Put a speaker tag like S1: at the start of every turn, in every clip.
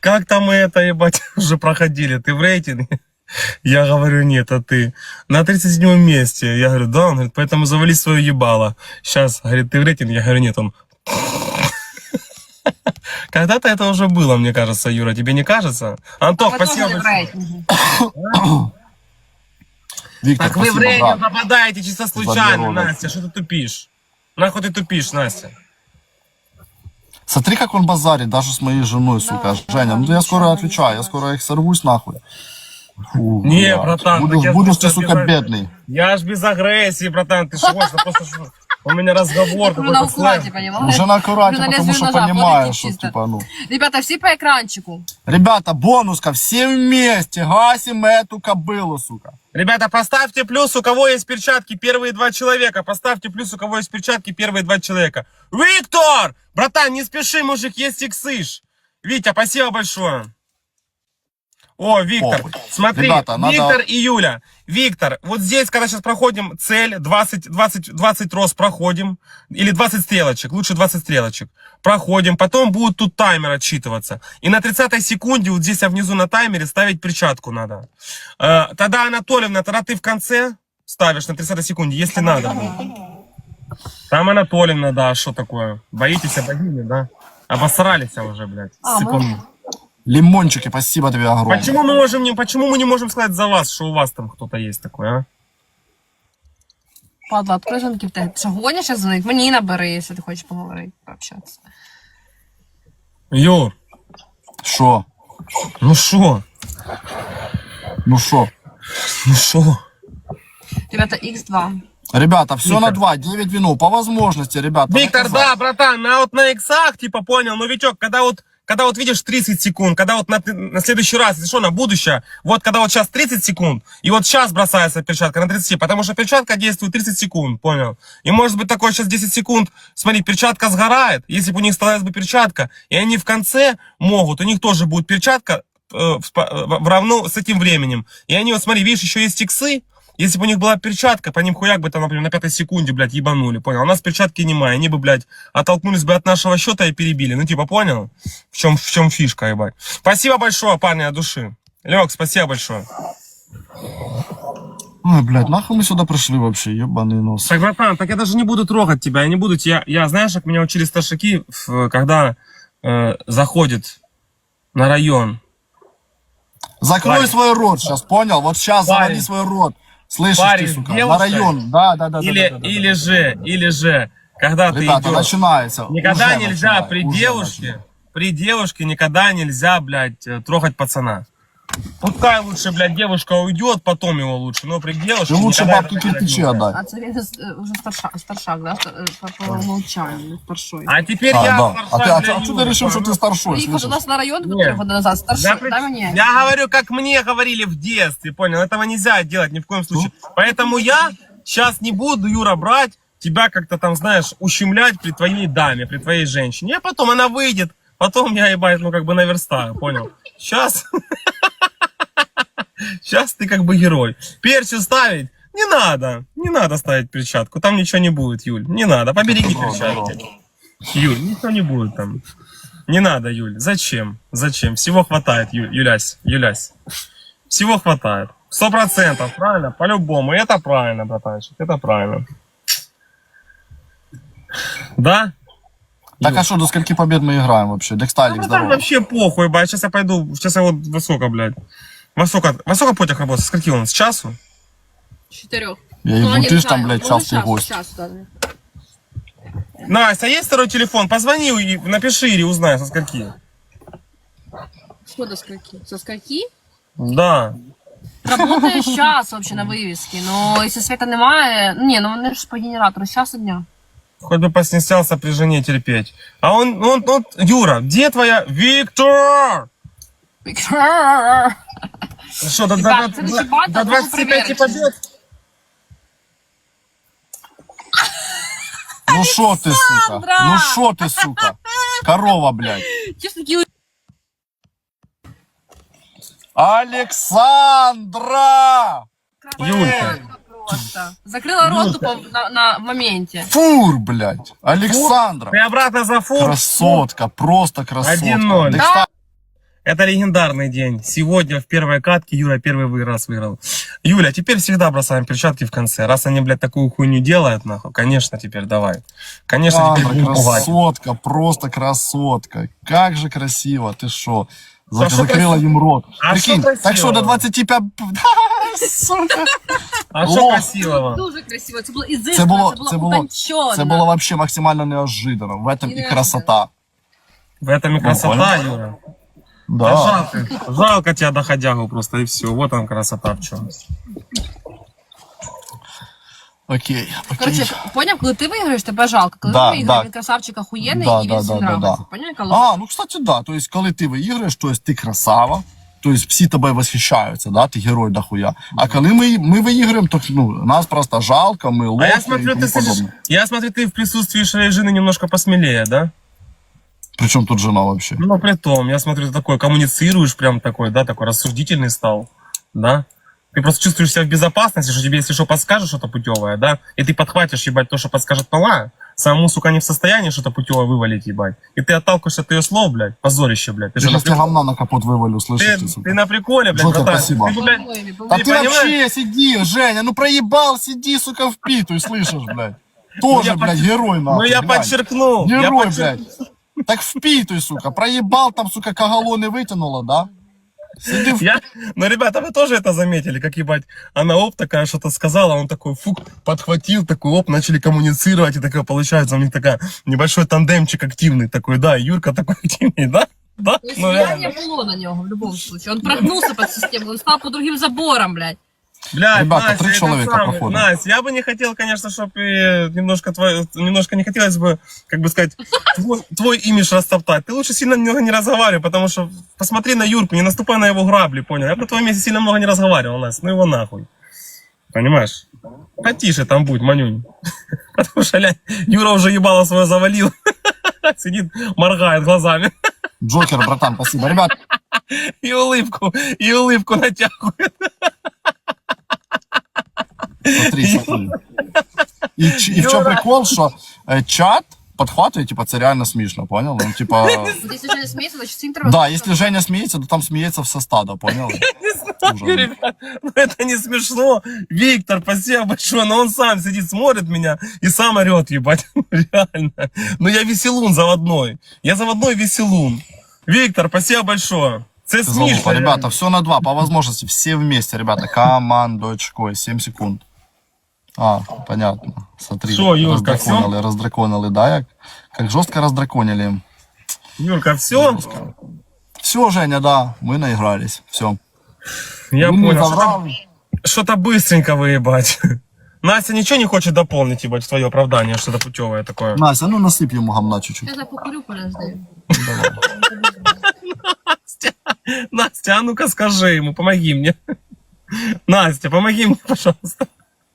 S1: как там мы это, ебать, уже проходили? Ты в рейтинге? Я говорю, нет, а ты? На 37 месте. Я говорю, да, он говорит, поэтому завали свое ебало. Сейчас, говорит, ты в рейтинге? Я говорю, нет, он... Когда-то это уже было, мне кажется, Юра, тебе не кажется? Антох, спасибо большое.
S2: Виктор,
S1: Так вы в
S2: спасибо,
S1: рейтинг
S2: брат.
S1: попадаете чисто случайно,
S2: ролик.
S1: Настя, что ты тупишь? Нахуй ты тупишь, Настя?
S2: Смотри, как он базарит, даже с моей женой, сука. Женя, ну я скоро отвечаю, я скоро их сорвусь, нахуй. Фу,
S1: Не,
S2: блядь.
S1: братан, так я
S2: Будешь ты,
S1: просто
S2: сука,
S1: без-
S2: бедный.
S1: Я ж без агрессии, братан, ты что, просто что? У меня разговор
S3: Уже
S1: какой-то
S3: на укладе,
S1: сложный.
S3: понимаешь?
S2: Уже на аккурате,
S3: Уже на
S2: потому
S3: лезвие
S2: что
S3: ножа,
S2: понимаешь,
S3: вот
S2: что,
S3: чисто.
S2: типа, ну...
S3: Ребята, все по экранчику.
S2: Ребята, бонуска, все вместе гасим эту кобылу, сука.
S1: Ребята, поставьте плюс, у кого есть перчатки, первые 2 человека. Поставьте плюс, у кого есть перчатки, первые 2 человека. Виктор! Братан, не спеши, мужик, есть иксыш. Витя, спасибо большое. О, Виктор,
S2: Похуй.
S1: смотри,
S2: Ребята, надо-
S1: Виктор и Юля. Виктор, вот здесь, когда сейчас проходим цель, 20 роз проходим, или 20 стрелочек, лучше 20 стрелочек. Проходим, потом будет тут таймер отсчитываться. И на 30-й секунде, вот здесь внизу на таймере, ставить перчатку надо. Тогда, Анатольевна, тогда ты в конце ставишь на 30-й секунде, если надо. Там Анатольевна, да, что такое? Боитесь богини, да? Обосрались уже, блядь. Сыкуны.
S2: Лимончики, спасибо тебе огромное.
S1: Почему мы не можем сказать за вас, что у вас там кто-то есть такой, а?
S3: Падла, открой звонки в тебе. Ти що, гониш зараз дзвонить? Мені набери, якщо ти хочеш поговорити, пообщатися.
S1: Юр,
S2: Шо?
S1: ну шо?
S2: Ну шо?
S1: Ну шо?
S3: Ребята, X2.
S2: Ребята, все
S1: Виктор.
S2: на 2, 9 вину. По возможности, ребята.
S1: Виктор,
S2: наказать.
S1: да, братан, вот на иксах, типа, понял, ну, Витек, когда вот видишь 30 секунд, когда вот на следующий раз, если что, на будущее, вот когда вот сейчас 30 секунд, и вот сейчас бросается перчатка на 30, потому что перчатка действует 30 секунд, понял? И может быть такое сейчас 10 секунд, смотри, перчатка сгорает, если бы у них осталась бы перчатка, и они в конце могут, у них тоже будет перчатка в равно с этим временем. И они вот, смотри, видишь, еще есть иксы. Если бы у них была перчатка, по ним хуяк бы там, например, на 5 секунде, блядь, ебанули, понял? У нас перчатки немає, они бы, блядь, оттолкнулись бы от нашего счета и перебили. Ну, типа, понял? В чем фишка, ебать. Спасибо большое, парни, от души. Лёг, спасибо большое.
S2: Ой, блядь, нахуй мы сюда пришли вообще, ебаный нос.
S1: Так, братан, так я даже не буду трогать тебя, я не буду тебя... Я знаешь, как меня учили старшаки, когда заходит на район.
S2: Закрой
S1: Парень.
S2: свой рот сейчас, понял? Вот сейчас
S1: Парень.
S2: заводи свой рот. Слышишь
S1: Парень
S2: ты,
S1: с
S2: сука? На
S1: девушкой?
S2: район. Да.
S1: Или же, когда ты
S2: Ребята,
S1: идешь...
S2: начинается.
S1: Никогда
S2: Уже
S1: нельзя
S2: начинает,
S1: при
S2: уже
S1: девушке,
S2: начинает.
S1: при девушке никогда нельзя, блядь, трогать пацана. Пускай лучше, блядь, девушка уйдет, потом его лучше, но при девушке
S2: Ты лучше
S1: никогда
S2: бабки
S1: это делать
S2: кирпичи
S1: нельзя.
S2: отдай.
S3: А це він вже старшак, да? По умолчанию, старшой.
S1: А теперь
S2: А,
S1: я
S2: да.
S1: старшой
S2: А
S1: для
S2: что ты
S1: Юли,
S2: решил, что ты
S1: понял?
S2: старшой,
S3: Приїхав до
S2: слышишь?
S3: нас на район
S1: Нет.
S3: 4 года назад, старшой,
S1: Я,
S3: дай мені.
S1: я говорю, как мне говорили в детстве, понял? Этого нельзя делать ни в коем случае. Поэтому я сейчас не буду, Юра, брать тебя как-то там, знаешь, ущемлять при твоей даме, при твоей женщине. А потом она выйдет, потом я, ебать, ну как бы наверстаю, понял? Сейчас... Сейчас ты как бы герой. Перчу ставить не надо ставить перчатку, там ничего не будет, Юль, не надо, побереги перчатки. Юль, ничего не будет там. Не надо, Юль, зачем? Всего хватает, Юлясь. Всего хватает. 100%, правильно? По-любому, это правильно, братанчик, это правильно. Да?
S2: Так а что, до скольки побед мы играем вообще? Дексталик,
S1: Там
S2: здорово.
S1: вообще похуй, бать, сейчас я пойду, сейчас я вот во сколько, блядь. Во сколько потяг работает? С скольки он? С часу?
S3: 4.
S2: Я ебу, ты ж там, блядь, частый гость.
S1: Настя, есть второй телефон? Позвони и напиши или узнай, со скольки.
S3: Что до скольки? Со скольки?
S1: Да.
S3: Работає час вообще на вивісці, но якщо света немає, ні, ну вони ж по генератору, з часу дня.
S1: Хоть бы поснестялся при жене терпеть. А он, Юра, где твоя... Виктор! Что, до
S3: Ребят, следующий батл
S1: до
S3: был
S1: 25
S3: проверочный.
S1: побед?
S2: Ну шо ты, сука? Ну шо ты, сука? Корова, блядь.
S3: Ті ж такі
S2: Александра!
S1: Юлька.
S3: просто. Закрила рот тупо на моменте.
S2: Фур, блядь. Александра.
S1: Ты обратно за фур?
S2: Красотка, просто красотка.
S1: 1-0.
S2: Дексталик.
S1: Это легендарный день. Сегодня в первой катке Юра первый раз выиграл. Юля, теперь всегда бросаем перчатки в конце. Раз они, блядь, такую хуйню делают, нахуй, конечно, теперь давай. Конечно, теперь
S2: Андра,
S1: будем пугать.
S2: красотка, просто красотка. Как же красиво, ты шо?
S1: А что
S2: Закрыла им рот.
S1: А
S2: Прикинь,
S1: что
S2: так что до
S1: красивого?
S2: 25... Сука.
S1: А что
S2: О!
S1: красивого?
S3: Дуже красиво, це було
S2: Це
S3: ізискано,
S2: було,
S3: це було утончено.
S2: це було вообще максимально неожиданно. В этом
S3: І
S2: и красота.
S1: В этом и красота,
S2: понял.
S1: Юра.
S2: Да.
S1: А жалко тебя доходягу просто, и все. Вот он красота в чем.
S2: Окей, окей.
S3: Короче, поняв, коли ти виграєш, тебе жалко. Коли
S2: Да,
S3: ти виграєш,
S2: да.
S3: він красавчик охуєнний,
S2: Да,
S3: і
S2: да,
S3: він всім
S2: да, да,
S3: нравиться.
S2: да.
S3: Поняв, коли...
S2: Ну, кстати, да. То есть, коли ти виіграєш, то есть ти красава, то есть всі тобою восхищаються, да, ти герой дохуя. А коли ми виіграємо, то нас просто жалко, ми
S1: А
S2: лохи
S1: я
S2: і
S1: смотрю,
S2: тому
S1: ты слышишь,
S2: подобне.
S1: я смотрю, ты в присутствии своей жены немножко посмелее, да?
S2: Причому тут жена вообще?
S1: Ну, при том, я смотрю, ты такой коммуницируешь прям такой, да, такой рассудительный стал, да? Ты просто чувствуешь себя в безопасности, что тебе, если что, подскажешь что-то путевое, да? И ты подхватишь, ебать, то, что подскажет мала, самому, сука, не в состоянии что-то путевое вывалить, ебать. И ты отталкиваешься от ее слов, блядь, позорище, блядь. Ты
S2: Я
S1: же на
S2: сейчас тебе
S1: приколе,
S2: говна на капот вывалю, слышишь ты, сука?
S1: ты на приколе, блядь,
S2: Джокер,
S1: братан.
S2: спасибо.
S1: Ты, блядь,
S2: А
S1: Ты
S2: ты
S1: понимаешь?
S2: вообще сиди, Женя, ну проебал, сиди, сука, впитуй, слышишь, блядь? Тоже,
S1: я
S2: блядь,
S1: подчер-
S2: герой,
S1: ну,
S2: нахуй,
S1: я
S2: глянь.
S1: подчеркнул. я
S2: Герой,
S1: подчер-
S2: блядь. Так впитуй, сука, проебал там, сука, коголоны вытянула, да? Сиди в...
S1: Ну, ребята, вы тоже это заметили, как, ебать, она оп, такая что-то сказала, он такой, фук, подхватил, такой, оп, начали коммуницировать, и такая, получается, у них такая небольшой тандемчик активный такой, да, и Юрка такой активный, да? Да?
S3: То есть
S1: Ну,
S3: влияние
S1: реально.
S3: было на него в любом случае. Он прогнулся под систему, он стал по другим заборам, блядь.
S1: Блядь,
S2: Ребята,
S1: Настя,
S2: 3
S1: это
S2: человека,
S1: самое,
S2: походу.
S1: Настя, я бы не хотел, конечно, чтобы немножко не хотелось бы, как бы сказать, твой имидж растоптать. Ты лучше сильно много не разговаривай, потому что посмотри на Юрку, не наступай на его грабли, понял? Я бы на твоем месте сильно много не разговаривал, Настя, ну его нахуй. Понимаешь? Потише там будь, Манюнь. Потому что, глянь, Юра уже ебало свое завалил. Сидит, моргает глазами.
S2: Джокер, братан, спасибо. Ребят,
S1: И улыбку натягивает.
S2: смотри. И в чем прикол, что чат подхватывает, типа, це реально смешно, понял? Ну, типа...
S3: Вот если Женя смеется, значит всем треба...
S2: Да, если Женя смеется, то там смеется все стадо, понял? Ужас.
S1: Ребят, ну это не смешно. Виктор, спасибо большое, но он сам сидит, смотрит меня и сам орет, ебать. Реально. Ну я веселун заводной. Я заводной веселун. Виктор, спасибо большое. Це
S2: Залупа.
S1: смешно.
S2: Ребята, все на 2, по возможности, все вместе, ребята, командочкой, 7 секунд. А, понятно, смотри,
S1: Шо, Юрка,
S2: раздраконили, да, как жестко раздраконили.
S1: Юрка, все?
S2: Все, Женя, да, мы наигрались, все.
S1: Я
S2: Ну, не
S1: понял.
S2: забрал.
S1: Что-то быстренько выебать. Настя ничего не хочет дополнить, ебать, в твое оправдание, что-то путевое такое.
S2: Настя, ну насыпь ему гамна чуть-чуть.
S3: Я покурю, подожди.
S1: Настя, а ну-ка скажи ему, помоги мне. Настя, помоги мне, пожалуйста.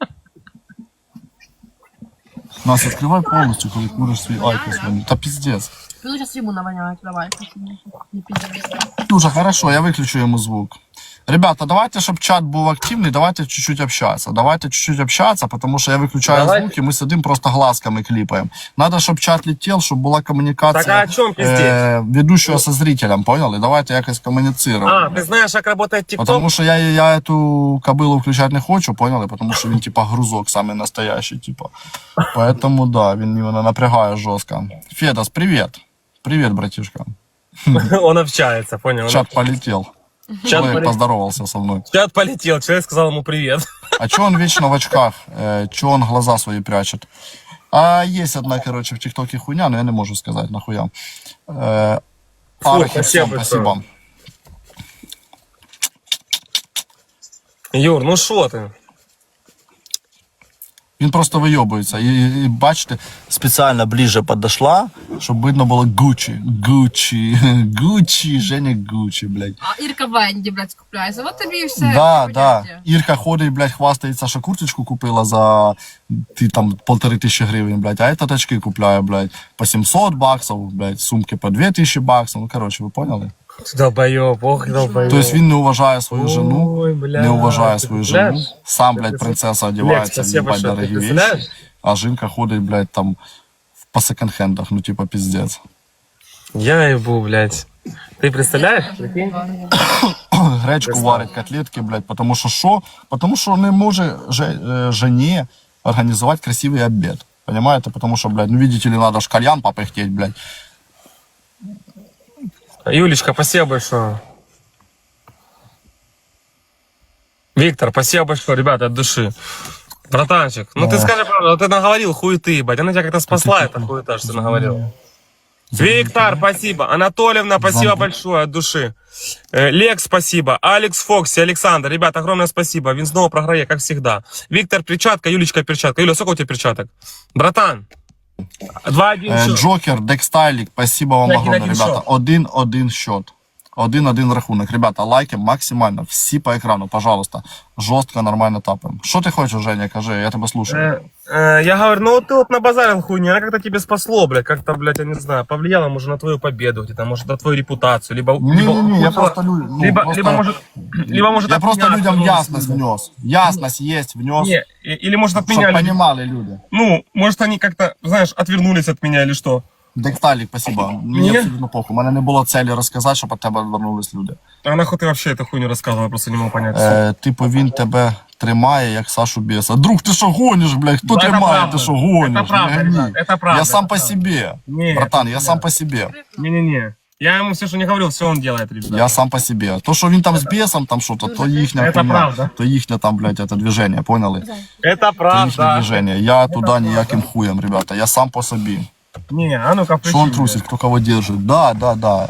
S2: Настя, открывай полностью, когда куришь свой айкос. Да пиздец.
S3: Ну, сейчас ему навоняют, давай. Не пиздец.
S2: Уже хорошо, я выключу ему звук. Ребята, давайте, чтобы чат был активный, давайте чуть-чуть общаться. Давайте чуть-чуть общаться, потому что я выключаю
S1: Давай.
S2: звук, и мы сидим просто глазками клипаем. Надо, чтобы чат летел, чтобы была коммуникация
S1: Так, а о чем пиздец?
S2: ведущего со зрителем, понял? И давайте якось коммуницировать.
S1: А, ты знаешь, как работает ТикТок?
S2: Потому что я эту кобылу включать не хочу, понял? И потому что він, типа, грузок самый настоящий, типа. Поэтому, да, він його напрягає жестко. Федос, привет. Привет, братишка.
S1: Он общается, понял?
S2: Чат полетел.
S1: Чат
S2: Человек
S1: полетел.
S2: поздоровался со мной.
S1: Чат полетел, человек сказал ему привет.
S2: А чё он вечно в очках? Чё он глаза свои прячет? А есть одна, короче, в ТикТоке хуйня, но я не могу сказать, нахуя. Архи, всем
S1: спасибо
S2: спасибо.
S1: Юр, ну что ты?
S2: Він просто вийобується. І бачите, спеціально ближе подошла, щоб видно було Гуччі. Гуччі. Гуччі, Женя Гуччі, блядь.
S3: А Ирка Венді, блядь, скупляється. Вот тобі і все.
S2: Да, да. Ірка ходить, блядь, хвастається, що курточку купила за там 1500 гривень, блядь, а этот очки купляє, блядь, по 700 баксов, блядь, сумки по 2000 баксов. Ну, короче, ви поняли?
S1: Долбоёб, ох, долбоёб.
S2: Тобто він не уважає свою жену,
S1: Ой, бля,
S2: не уважає
S1: ти
S2: свою
S1: представляєш?
S2: жену, сам, блядь, принцеса одягається,
S1: спасибо,
S2: їбать
S1: що ти
S2: дорогі
S1: представляєш?
S2: вещи, а жінка ходить, блядь, там по секонд-хендах, ну, типа, пиздец.
S1: Я ебу, блядь. Ты представляешь? Прикинь?
S2: Гречку варить, котлетки, блядь, потому що що? Потому що не може жені організувати красивий обід. Понимаете? Потому что, блядь, ну видите ли, надо ж кальян попыхтеть, блядь.
S1: Юлечка, спасибо большое. Виктор, спасибо большое, ребята, от души. Братанчик, ну ты скажи правду, ты наговорил хуеты, ебать. Она тебя как-то спасла, эта хуета, что ты наговорил. Виктор, спасибо. Анатольевна, спасибо большое от души. Лекс, спасибо. Алекс Фокси, Александр, ребята, огромное спасибо. Він снова програє, как всегда. Виктор, перчатка, Юлечка, перчатка. Юля, сколько у тебя перчаток? Братан. 2-1 счет.
S2: Джокер, Декстайлік, спасибо вам
S1: Так,
S2: огромное,
S1: 1-1
S2: ребята.
S1: счет.
S2: 1-1 счет. 1-1 рахунок. Ребята, лайки максимально, всі по екрану, пожалуйста. Жорстко, нормально тапаем. Що ти хочеш, Женя, кажи, я тебе слушаю.
S1: Я говорю, ну ты вот набазарил хуйню, она как-то тебе спасло, блядь, как-то, блядь, я не знаю, повлияло, может, на твою победу где-то, может, на твою репутацию, либо...
S2: Не-не-не, я
S1: ухудшило-
S2: просто... Ну,
S1: либо,
S2: просто...
S1: либо, может,
S2: Я
S1: от
S2: просто
S1: меня
S2: людям
S1: отвернулись
S2: ясность
S1: люди.
S2: внес. Ясность есть, внес.
S1: Не, или, может, от
S2: Щоб
S1: меня люди...
S2: понимали люди.
S1: Ну, может, они как-то, знаешь, отвернулись от меня или что?
S2: Декталік, спасибо. Мені
S1: Ні?
S2: абсолютно похуй. У мене не було цілі розказати, щоб від тебе відвернулись люди.
S1: А нахуй ты вообще эту хуйню рассказывал, я просто не могу понять.
S2: Типу він тебе тримає, як Сашу Беса. Друг, ти що гониш, блядь? Хто
S1: Ну, це
S2: тримає,
S1: правда.
S2: ти що гониш?
S1: Це правда,
S2: Не гони.
S1: ребят, це правда,
S2: Я сам
S1: це
S2: по
S1: правда.
S2: себе.
S1: Ні,
S2: Братан,
S1: це
S2: я
S1: не
S2: сам
S1: я.
S2: по себе.
S1: Не-не-не. Я ему все, что не говорил, все он делает, ребята.
S2: Я сам по себе. То, що він там з бесом, там що-то, то їхня
S1: Це
S2: хуйня.
S1: правда.
S2: То їхнє там, блядь, это движение, поняли?
S1: Это
S2: То їхнє
S1: правда.
S2: движение. Я туди ніяким хуєм, ребята. Я сам по собі.
S1: Не, а ну-ка,
S2: Что он
S1: включи,
S2: трусит, кто кого держит? Да, да, да.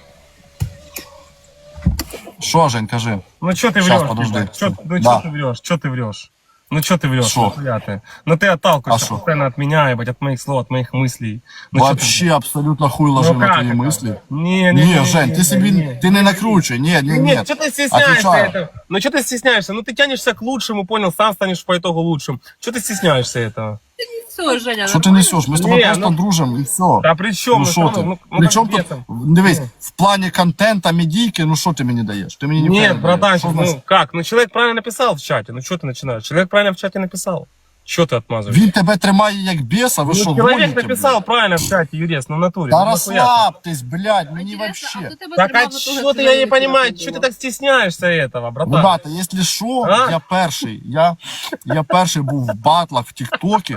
S2: Что, Жень, кажи?
S1: Ну что ты
S2: Щас,
S1: врешь?
S2: подожди.
S1: Ебать? Чё- ну
S2: Да.
S1: что ты врешь? Что ты врешь? Ну что ты врешь?
S2: Шо?
S1: Нахуя ты? Ну ты отталкиваешься
S2: А шо?
S1: постоянно от меня, ебать, от моих слов, от моих мыслей. Ну, чё ты-
S2: Вообще абсолютно хуй ложи
S1: Ну
S2: на
S1: как
S2: твои
S1: это?
S2: мысли.
S1: Не,
S2: Жень, ты себе ты не накручивай. Нет, нет,
S1: Нет,
S2: нет.
S1: что ты стесняешься
S2: Отвечаю.
S1: этого? Ну что ты стесняешься? Ну ты тянешься к лучшему, понял, сам станешь по итогу лучшим. Что ты стесняешься этого?
S3: Все, Женя,
S2: Что ты несешь? Мы с тобой
S1: Не,
S2: просто
S1: ну-
S2: дружим и все.
S1: Да при чем?
S2: Ну что ты? Причем тут, дивись, в плане контента, медийки, ну что ты мне даешь? Ты мне не
S1: Нет, братанчик,
S2: Что значит?
S1: ну как? Ну человек правильно написал в чате, ну что ты начинаешь? Человек правильно в чате написал. Что ты отмазываешь?
S2: Він тебе тримає як беса, ви
S1: Ну,
S2: що,
S1: человек
S2: гоните,
S1: написал
S2: блядь?
S1: правильно в чате, Юрец, ну в натуре.
S2: Да
S1: Ну, нахуя ты?
S2: расслабьтесь, блядь, мені вообще.
S1: Так а что ты, я не понимаю, что ты так стесняешься этого, братан?
S2: Ребята, якщо що,
S1: А?
S2: я перший був в батлах в Тіктокі.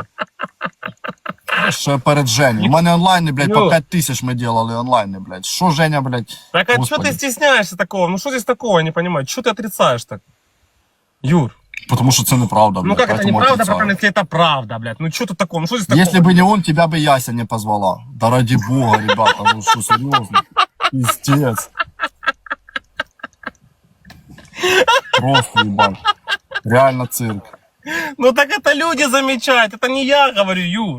S2: Ще перед Женю. У мене онлайни, блядь, по
S1: Ну.
S2: 5 тисяч ми делали онлайни, блядь. Що Женя, блядь?
S1: Так а что
S2: Господи.
S1: ты стесняешься такого? Ну что здесь такого, я не понимаю. Что ты отрицаешь так? Юр,
S2: Потому что це неправда, блядь.
S1: ну как это
S2: поэтому
S1: неправда,
S2: отрицаю.
S1: братан, если это правда, блядь? Ну что тут такого? Ну что здесь такого?
S2: Если бы не он, тебя бы Яся не позвала. Да ради бога, ребята, ну что, серьезно? Пиздец. Просто, ебать. Реально цирк.
S1: Ну так это люди замечают, это не я говорю, Юр.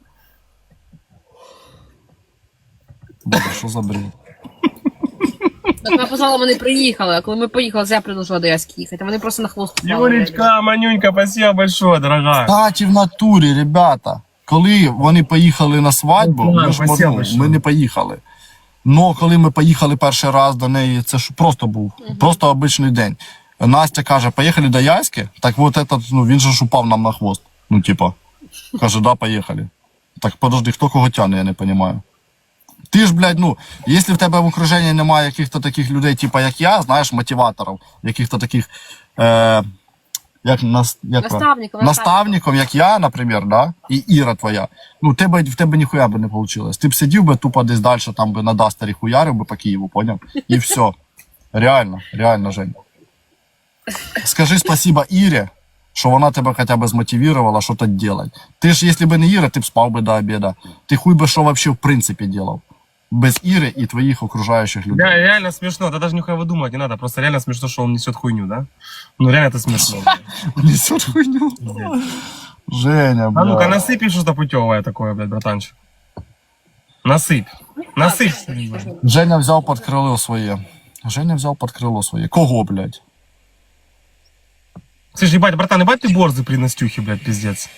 S2: Боже, що за бред?
S3: Так ми позвали, вони приїхали, а коли ми поїхали, я предложила до Яськи їхати, вони просто на хвост впали.
S1: Юлечка, Манюнька, спасибо большое, дорогая.
S2: Кстати, в натурі, ребята, коли вони поїхали на свадьбу,
S1: Ну,
S2: ми ж
S1: спасибо
S2: ну,
S1: большое.
S2: ми не поїхали. Но коли ми поїхали перший раз до неї, це ж просто був, просто обичний день. Настя каже, поїхали до Яськи, так от этот, ну, він же ж упав нам на хвост. Ну, типа, каже, да, поїхали. Так, подожди, хто кого тяне, я не розумію. Ти ж, блядь, ну, якщо в тебе в окруженні немає яких-то таких людей, типа як я, знаєш, мотиваторів, яких-то таких, як
S3: Наставників.
S2: наставником, як я, наприклад, да, і Іра твоя, ну, в тебе ніхуя би не вийшло. Ти б сидів би тупо десь далі, там би на Дастері хуярив би по Києву, поняв? І все. Реально, реально, Жень. Скажи спасибо Ірі, що вона тебе хоча б змотивувала щось робити. Ти ж, якщо б не Іра, ти б спав би до обіду. Ти хуй би що вообще в принципі робив. Без Іри і твоїх окружаючих людей.
S1: Да, реально смешно, да даже нихуя выдумывать не надо, просто реально смешно, что он несет хуйню, да? Ну реально это смешно.
S2: Несет хуйню. Женя,
S1: А ну-ка,
S2: бля.
S1: насыпь что-то путевое такое, блядь, братанчик. Насыпь. Насыпь.
S2: Женя взяв під крило своє. Женя взяв під крило своє. Кого, блядь?
S1: Слушай, ебать, братан, ебать ты борзый при Настюхе, блядь, пиздец.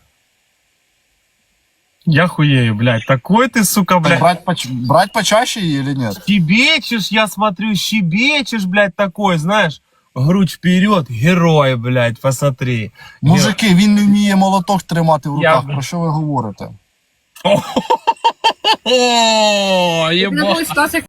S1: Я хуею, блядь. Такой ты, сука, блядь.
S2: Брать почаще или нет?
S1: Щебечешь, я смотрю, щебечешь, блядь, такой, знаешь. Грудь вперед, герой, блядь, посмотри.
S2: Мужики, він не вміє молоток тримати в руках.
S1: Я-
S2: Про що ви говорите?
S1: О,
S3: Це
S1: ебать.
S3: була ситуація,